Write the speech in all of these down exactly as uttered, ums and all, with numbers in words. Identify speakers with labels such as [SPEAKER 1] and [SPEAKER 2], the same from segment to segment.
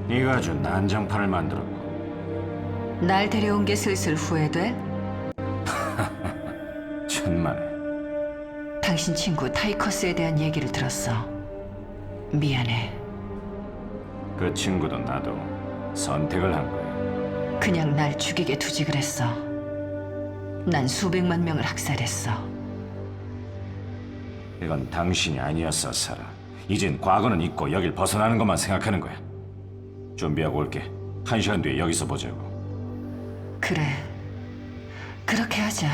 [SPEAKER 1] 네가 아주 난장판을 만들었고.
[SPEAKER 2] 날 데려온 게 슬슬 후회돼?
[SPEAKER 1] 천만에.
[SPEAKER 2] 당신 친구 타이커스에 대한 얘기를 들었어. 미안해.
[SPEAKER 1] 그 친구도 나도 선택을 한 거야.
[SPEAKER 2] 그냥 날 죽이게 두지 그랬어. 난 수백만 명을 학살했어.
[SPEAKER 1] 이건 당신이 아니었어, 사라. 이젠 과거는 잊고 여길 벗어나는 것만 생각하는 거야. 준비하고 올게. 한 시간 뒤에 여기서 보자고.
[SPEAKER 2] 그래. 그렇게 하자.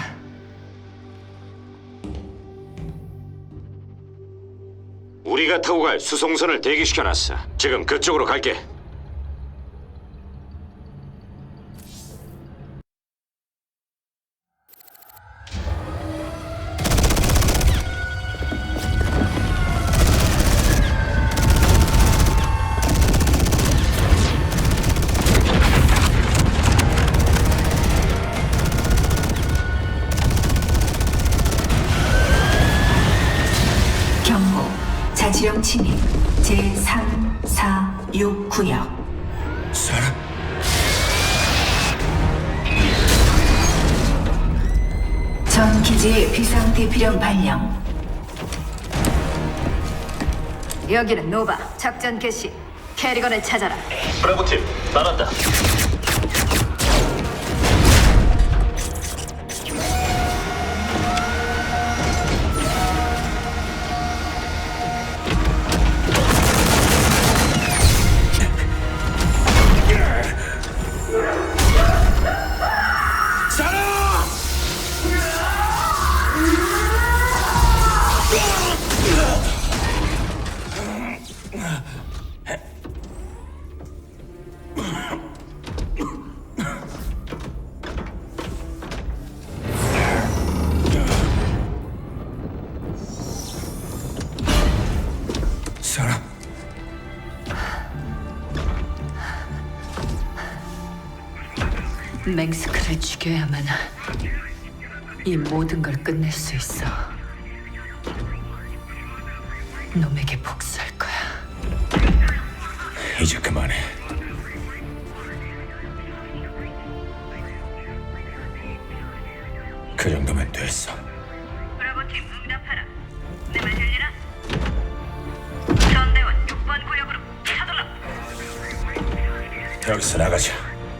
[SPEAKER 1] 우리가 타고 갈 수송선을 대기시켜놨어. 지금 그쪽으로 갈게.
[SPEAKER 3] 경고, 자치령 침입 제삼, 사, 육 구역.
[SPEAKER 1] 사라?
[SPEAKER 3] 전 기지의 비상 대피령 발령.
[SPEAKER 2] 여기는 노바. 작전 개시. 캐리건을 찾아라.
[SPEAKER 4] 브라보팀 나간다.
[SPEAKER 1] 사라?
[SPEAKER 2] 맹스크를 죽여야만 이 모든 걸 끝낼 수 있어. 놈에게 복수할 거야.
[SPEAKER 1] 이제 그만해. 그 정도면 됐어.
[SPEAKER 5] 브라보팀 응답하라. 내 말 들리나? 전대원 육 번 구역으로 차돌라.
[SPEAKER 1] 여기서 나가자.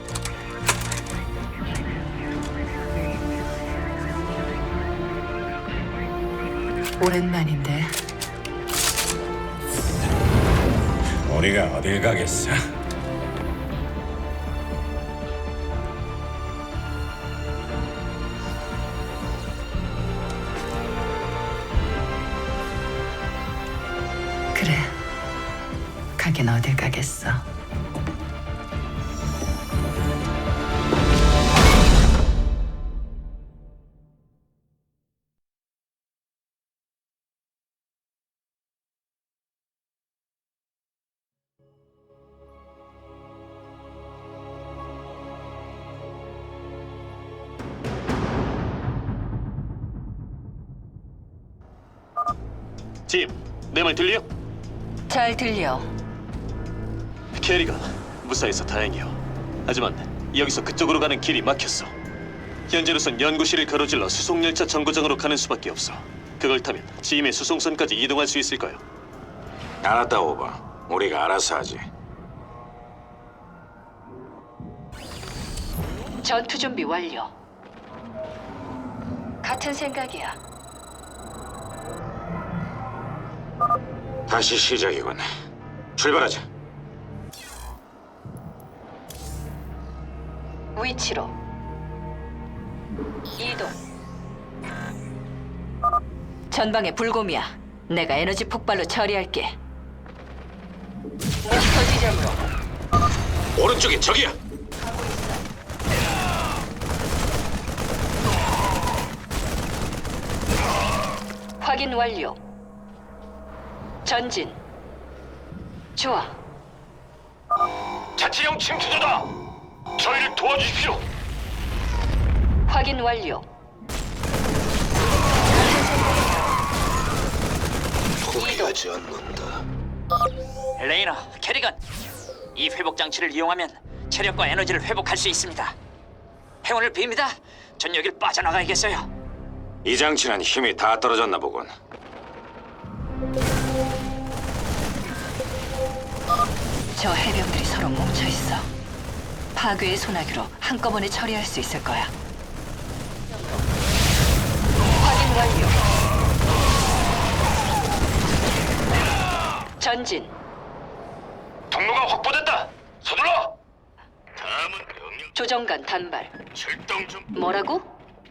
[SPEAKER 2] 오랜만인데.
[SPEAKER 1] 우리가 어딜 가겠어?
[SPEAKER 2] 그래. 가긴 어딜 가겠어.
[SPEAKER 4] 짐, 내 말 들려?
[SPEAKER 2] 잘 들려.
[SPEAKER 4] 캐리가 무사해서 다행이요. 하지만 여기서 그쪽으로 가는 길이 막혔어. 현재로선 연구실을 가로질러 수송열차 정거장으로 가는 수밖에 없어. 그걸 타면 짐의 수송선까지 이동할 수 있을까요?
[SPEAKER 1] 알았다, 오바. 우리가 알아서 하지.
[SPEAKER 2] 전투 준비 완료. 같은 생각이야.
[SPEAKER 1] 다시 시작이군. 출발하자.
[SPEAKER 2] 위치로 이동. 전방에 불곰이야. 내가 에너지 폭발로 처리할게. 목표 지점으로.
[SPEAKER 1] 오른쪽에 적이야.
[SPEAKER 2] 확인 완료. 전진. 좋아.
[SPEAKER 4] 자치령 침투자다. 저희를 도와주십시오.
[SPEAKER 2] 확인 완료.
[SPEAKER 4] 포기하지 않는다.
[SPEAKER 6] 레이나, 캐리건, 이 회복 장치를 이용하면 체력과 에너지를 회복할 수 있습니다. 행운을 빕니다. 전 여길 빠져나가야겠어요.
[SPEAKER 1] 이 장치는 힘이 다 떨어졌나 보군.
[SPEAKER 2] 저 해병들이 서로 뭉쳐 있어. 파괴의 소나기로 한꺼번에 처리할 수 있을 거야. 확인 완료. 전진.
[SPEAKER 4] 통로가 확보됐다. 서둘러. 다음은 명령
[SPEAKER 2] 조정관 단발.
[SPEAKER 4] 출동 중.
[SPEAKER 2] 뭐라고?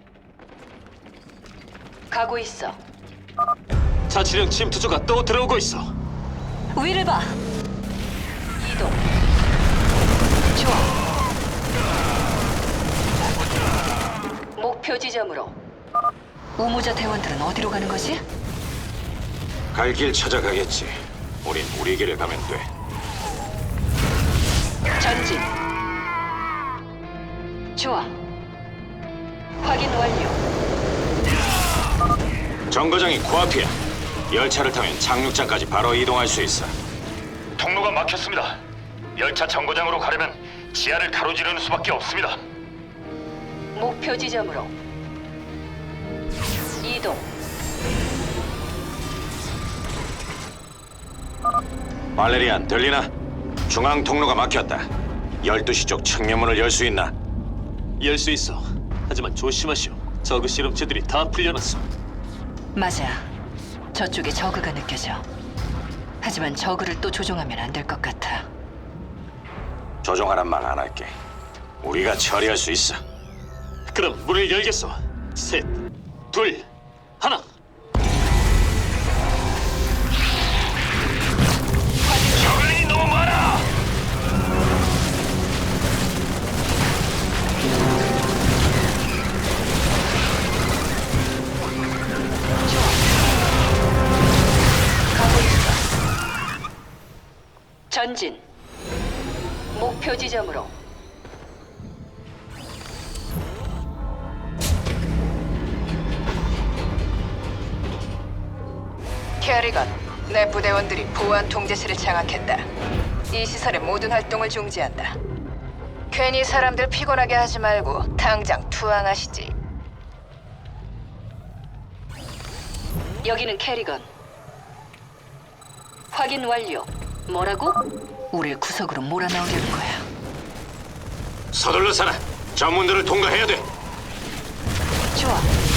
[SPEAKER 2] 가고 있어.
[SPEAKER 4] 자치령 침투조가 또 들어오고 있어.
[SPEAKER 2] 위를 봐. 이동. 좋아. 목표 지점으로. 우모자 대원들은 어디로 가는 거지?
[SPEAKER 1] 갈 길 찾아가겠지. 우린 우리 길을 가면 돼.
[SPEAKER 2] 전진. 좋아. 확인 완료.
[SPEAKER 1] 정거장이 코앞이야. 열차를 타면 착륙장까지 바로 이동할 수 있어.
[SPEAKER 4] 통로가 막혔습니다. 열차 정거장으로 가려면 지하를 가로지르는 수밖에 없습니다.
[SPEAKER 2] 목표 지점으로. 이동.
[SPEAKER 1] 발레리안, 들리나? 중앙 통로가 막혔다. 열두 시 쪽 측면문을 열 수 있나?
[SPEAKER 4] 열 수 있어. 하지만 조심하시오. 저그 실험체들이 다 풀려났어.
[SPEAKER 2] 맞아. 저쪽에 저그가 느껴져. 하지만 저그를 또 조종하면 안 될 것 같아.
[SPEAKER 1] 조종하란 말 안 할게. 우리가 처리할 수 있어.
[SPEAKER 4] 그럼 문을 열겠어. 셋, 둘, 하나. 저글링이 너무 많아.
[SPEAKER 2] 가고 있어. 전진. 목표 지점으로.
[SPEAKER 7] 캐리건, 내 부대원들이 보안 통제실을 장악했다. 이 시설의 모든 활동을 중지한다. 괜히 사람들 피곤하게 하지 말고 당장 투항하시지.
[SPEAKER 2] 여기는 캐리건. 확인 완료. 뭐라고? 우릴 구석으로 몰아넣으려는 거야.
[SPEAKER 1] 서둘러 살아. 전문들을 통과해야 돼.
[SPEAKER 2] 좋아.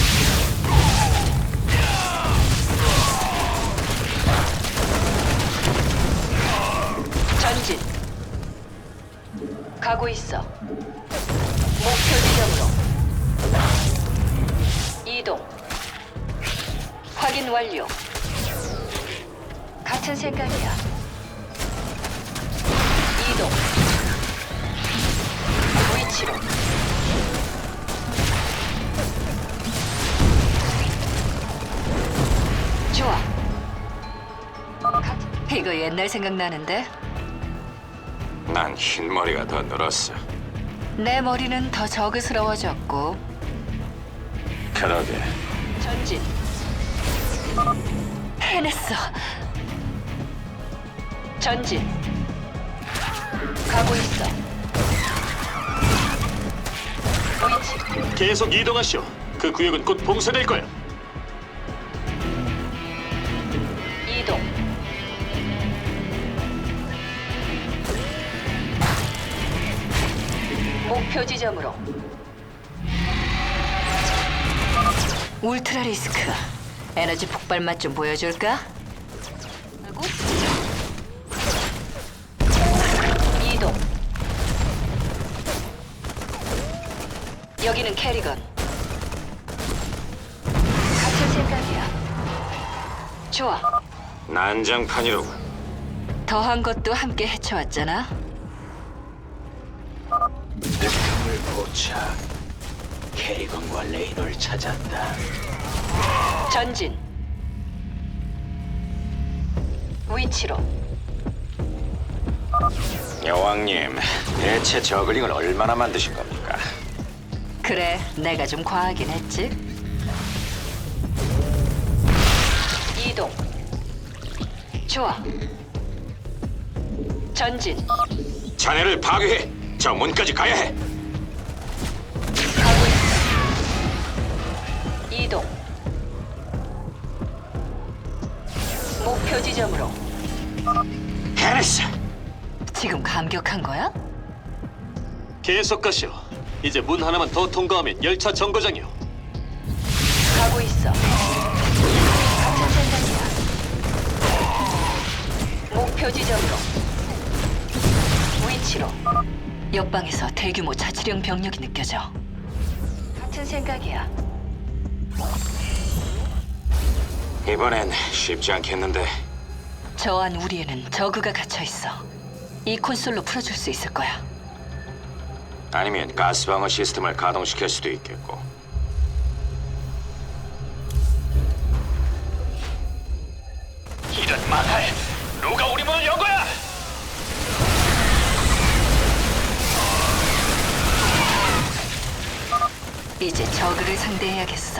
[SPEAKER 2] 전진. 가고 있어. 목표 지점으로. 이동. 확인 완료. 같은 생각이야. 이동. 위치로. 좋아. 같- 이거 옛날 생각나는데?
[SPEAKER 1] 난 흰머리가 더 늘었어.
[SPEAKER 2] 내 머리는 더 저그스러워졌고.
[SPEAKER 1] 그러게.
[SPEAKER 2] 전진. 해냈어. 전진. 가고 있어. 위치.
[SPEAKER 4] 계속 이동하시오. 그 구역은 곧 봉쇄될 거야.
[SPEAKER 2] 이동. 목표 지점으로. 울트라 리스크. 에너지 폭발 맛 좀 보여줄까? 하고. 이동. 여기는 캐리건. 같은 생각이야. 좋아.
[SPEAKER 1] 난장판이로군.
[SPEAKER 2] 더한 것도 함께 헤쳐왔잖아.
[SPEAKER 6] 목표물 포착. 캐리건과 레이노를 찾았다.
[SPEAKER 2] 전진. 위치로.
[SPEAKER 1] 여왕님, 대체 저글링을 얼마나 만드신 겁니까?
[SPEAKER 2] 그래, 내가 좀 과하긴 했지. 이동. 좋아. 전진.
[SPEAKER 1] 자네를 파괴해. 저 문까지 가야 해.
[SPEAKER 2] 가고 있어. 이동. 목표 지점으로.
[SPEAKER 1] 해냈어.
[SPEAKER 2] 지금 감격한 거야?
[SPEAKER 4] 계속 가시오. 이제 문 하나만 더 통과하면 열차 정거장이오.
[SPEAKER 2] 가고 있어. 같은 생각이야. 목표 지점으로. 위치로. 옆방에서 대규모 자치령 병력이 느껴져. 같은 생각이야.
[SPEAKER 1] 이번엔 쉽지 않겠는데.
[SPEAKER 2] 저 안 우리에는 저그가 갇혀 있어. 이 콘솔로 풀어줄 수 있을 거야.
[SPEAKER 1] 아니면 가스방어 시스템을 가동시킬 수도 있겠고.
[SPEAKER 6] 이런 만화에 누가 우리 문을 연 거야?
[SPEAKER 2] 이제 저그를 상대해야겠어.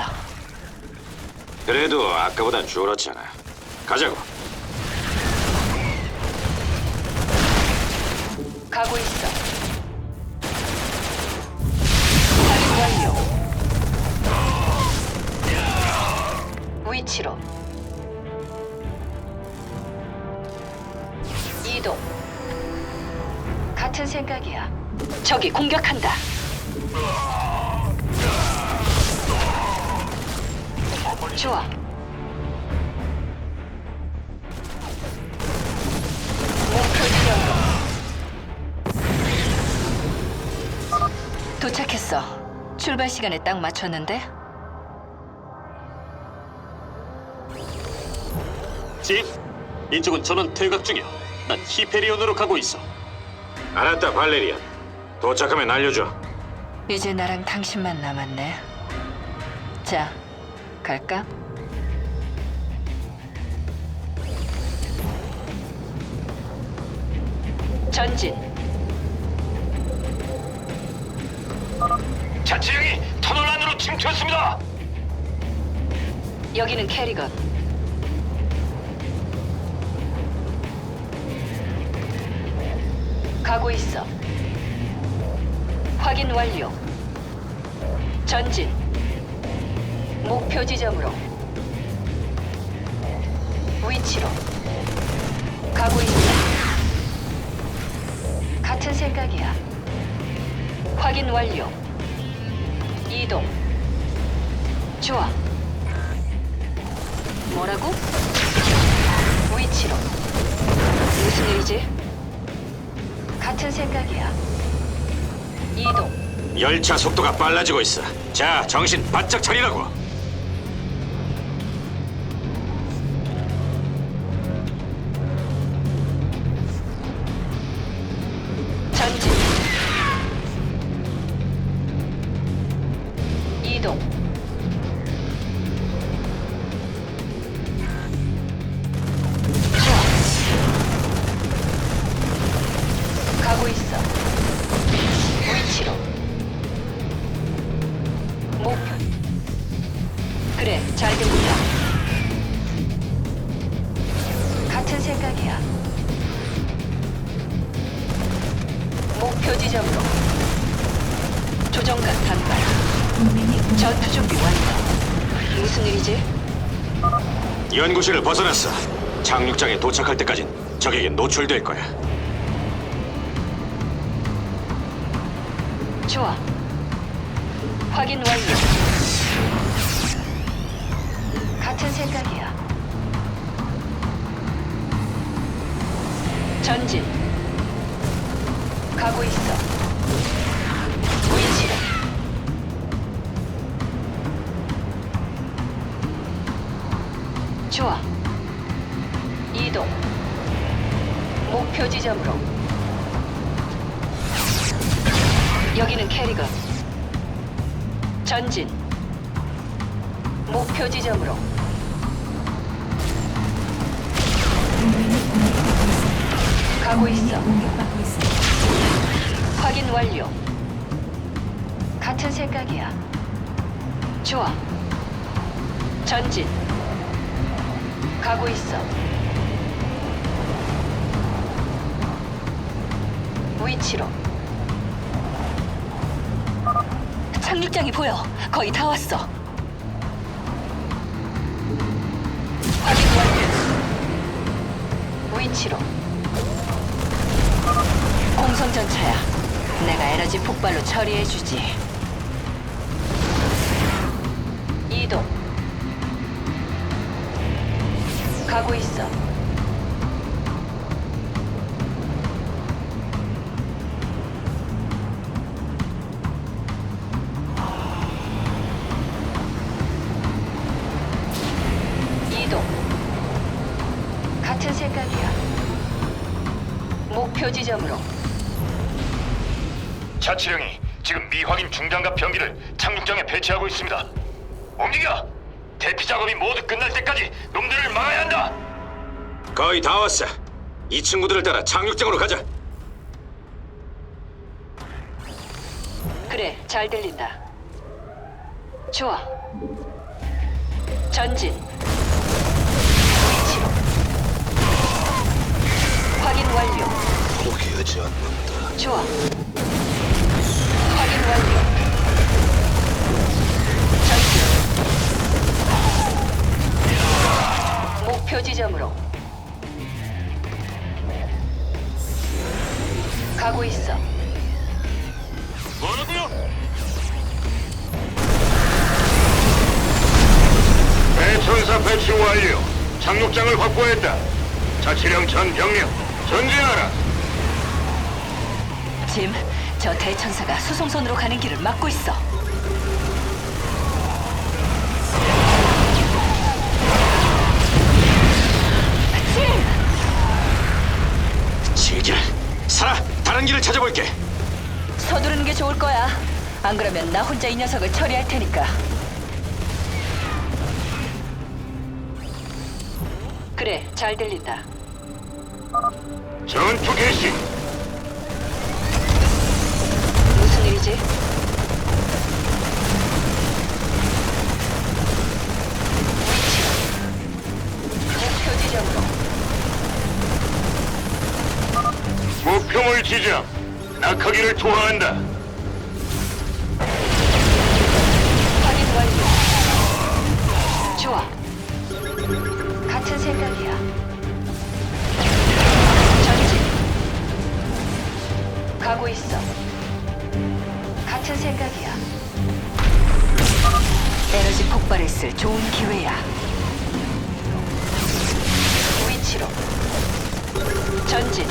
[SPEAKER 1] 그래도 아까보단 줄었잖아. 가자고.
[SPEAKER 2] 가고 있어. 확인 완료. 위치로. 이동. 같은 생각이야. 적이 공격한다. 좋아. 목표 지점으로. 도착했어. 출발 시간에 딱 맞췄는데.
[SPEAKER 4] 집, 이쪽은 전원 퇴각 중이오. 난 히페리온으로 가고 있어.
[SPEAKER 1] 알았다, 발레리안. 도착하면 알려줘.
[SPEAKER 2] 이제 나랑 당신만 남았네. 자, 갈까? 전진.
[SPEAKER 6] 자치령이 터널 안으로 침투했습니다.
[SPEAKER 2] 여기는 캐리건. 가고 있어. 확인 완료. 전진. 목표 지점으로. 위치로. 가고 있어. 같은 생각이야. 확인 완료. 이동. 좋아. 뭐라고? 위치로. 무슨 일이지? 같은 생각이야. 이동.
[SPEAKER 1] 열차 속도가 빨라지고 있어. 자, 정신 바짝 차리라고.
[SPEAKER 2] 전진. 이동. 좋아. 가고 있어. 위치로. 목표. 그래, 잘 들린다. 같은 생각이야. 목표 지점으로. 조정관 단발. 전투 준비 완료. 무슨 일이지?
[SPEAKER 1] 연구실을 벗어났어. 착륙장에 도착할 때까진 적에게 노출될 거야.
[SPEAKER 2] 좋아. 확인 완료. 같은 생각이야. 전진. 가고 있어. 위치로. 좋아. 이동. 목표 지점으로. 여기는 캐리건. 전진. 목표 지점으로. 가고 있어. 확인 완료. 같은 생각이야. 좋아. 전진. 가고 있어. 위치로. 착륙장이 보여. 거의 다 왔어. 확인 완료. 위치로. 공성전차야. 내가 에너지 폭발로 처리해주지. 이동. 가고 있어. 이동. 같은 생각이야. 목표 지점으로.
[SPEAKER 8] 자치령이 지금 미확인 중장갑 병기를 착륙장에 배치하고 있습니다. 움직여! 대피 작업이 모두 끝날 때까지 놈들을 막아야 한다.
[SPEAKER 1] 거의 다 왔어. 이 친구들을 따라 착륙장으로 가자.
[SPEAKER 2] 그래, 잘 들린다. 좋아. 전진. 위치로. 확인 완료.
[SPEAKER 8] 포기하지 않는다.
[SPEAKER 2] 좋아. 확인 완료. 전진. 목표 지점으로. 가고 있어.
[SPEAKER 8] 뭐라고요? 배천사 배치 완료. 착륙장을 확보했다. 자치령 전 병력 전진하라.
[SPEAKER 2] 짐, 저 대천사가 수송선으로 가는 길을 막고 있어. 짐!
[SPEAKER 1] 질질. 살아. 다른 길을 찾아볼게.
[SPEAKER 2] 서두르는 게 좋을 거야. 안 그러면 나 혼자 이 녀석을 처리할 테니까. 그래, 잘 들린다.
[SPEAKER 8] 전투 개시.
[SPEAKER 2] 무슨 일이지? 위치. 목표 지점으로.
[SPEAKER 8] 목표물 지정. 낙하기를 투하한다.
[SPEAKER 2] 확인 완료. 좋아. 같은 생각이야. 전진. 가고 있어. 같은 생각이야. 에너지 폭발을 쓸 좋은 기회야. 위치로. 전진.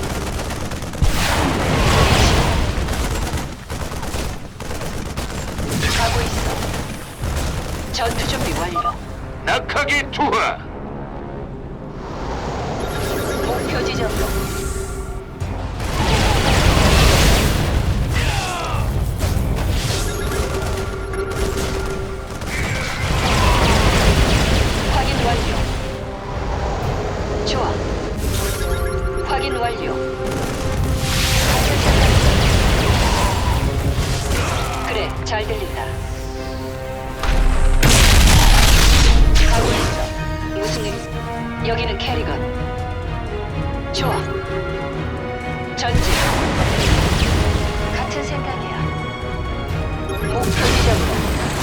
[SPEAKER 2] 가고 있어. 전투 준비 완료.
[SPEAKER 8] 낙하기 투하.
[SPEAKER 2] 목표 지점으로. 확인 완료. 좋아. 확인 완료. 그래, 잘 들린다. 가고 있어. 무슨 일? 여기는 캐리건. 좋아. 전진. 같은 생각이야. 목표 지점으로.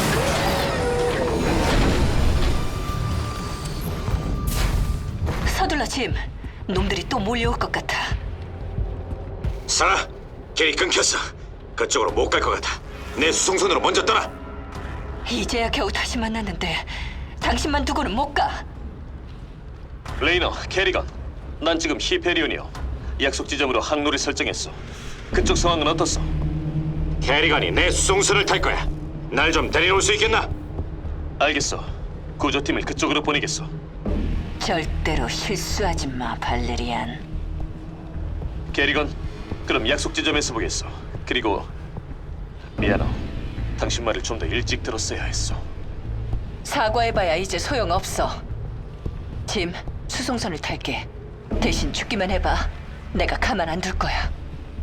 [SPEAKER 2] 서둘러, 짐. 놈들이 또 몰려올 것 같아.
[SPEAKER 1] 살아. 길이 끊겼어. 그쪽으로 못 갈 것 같아. 내 수송선으로 먼저 떠나.
[SPEAKER 2] 이제야 겨우 다시 만났는데 당신만 두고는 못 가.
[SPEAKER 4] 레이너, 캐리건. 난 지금 히페리온이요. 약속 지점으로 항로를 설정했어. 그쪽 상황은 어떻소?
[SPEAKER 1] 캐리건이 내 수송선을 탈 거야. 날 좀 데려올 수 있겠나?
[SPEAKER 4] 알겠어. 구조팀을 그쪽으로 보내겠어.
[SPEAKER 2] 절대로 실수하지 마, 발레리안.
[SPEAKER 4] 캐리건, 그럼 약속 지점에서 보겠어. 그리고 미안해. 당신 말을 좀 더 일찍 들었어야 했어.
[SPEAKER 2] 사과해봐야 이제 소용없어. 짐, 수송선을 탈게. 대신 죽기만 해봐. 내가 가만 안 둘 거야.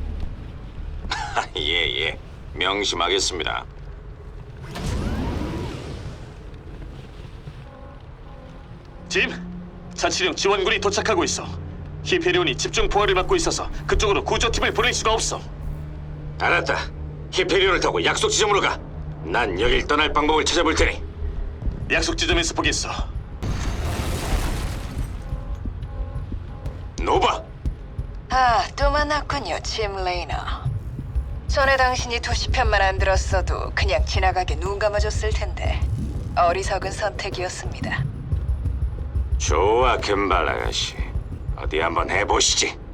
[SPEAKER 1] 예예. 명심하겠습니다.
[SPEAKER 4] 짐, 자치령 지원군이 도착하고 있어. 히페리온이 집중 포화를 받고 있어서 그쪽으로 구조팀을 보낼 수가 없어.
[SPEAKER 1] 알았다. 히페리온을 타고 약속 지점으로 가. 난 여길 떠날 방법을 찾아볼 테니.
[SPEAKER 4] 약속 지점에서 보겠어.
[SPEAKER 1] 노바.
[SPEAKER 7] 아, 또 만났군요, 짐 레이너. 전에 당신이 도시편만 안 들었어도 그냥 지나가게 눈 감아줬을 텐데 어리석은 선택이었습니다.
[SPEAKER 1] 좋아, 금발 아가씨. 어디 한번 해보시지.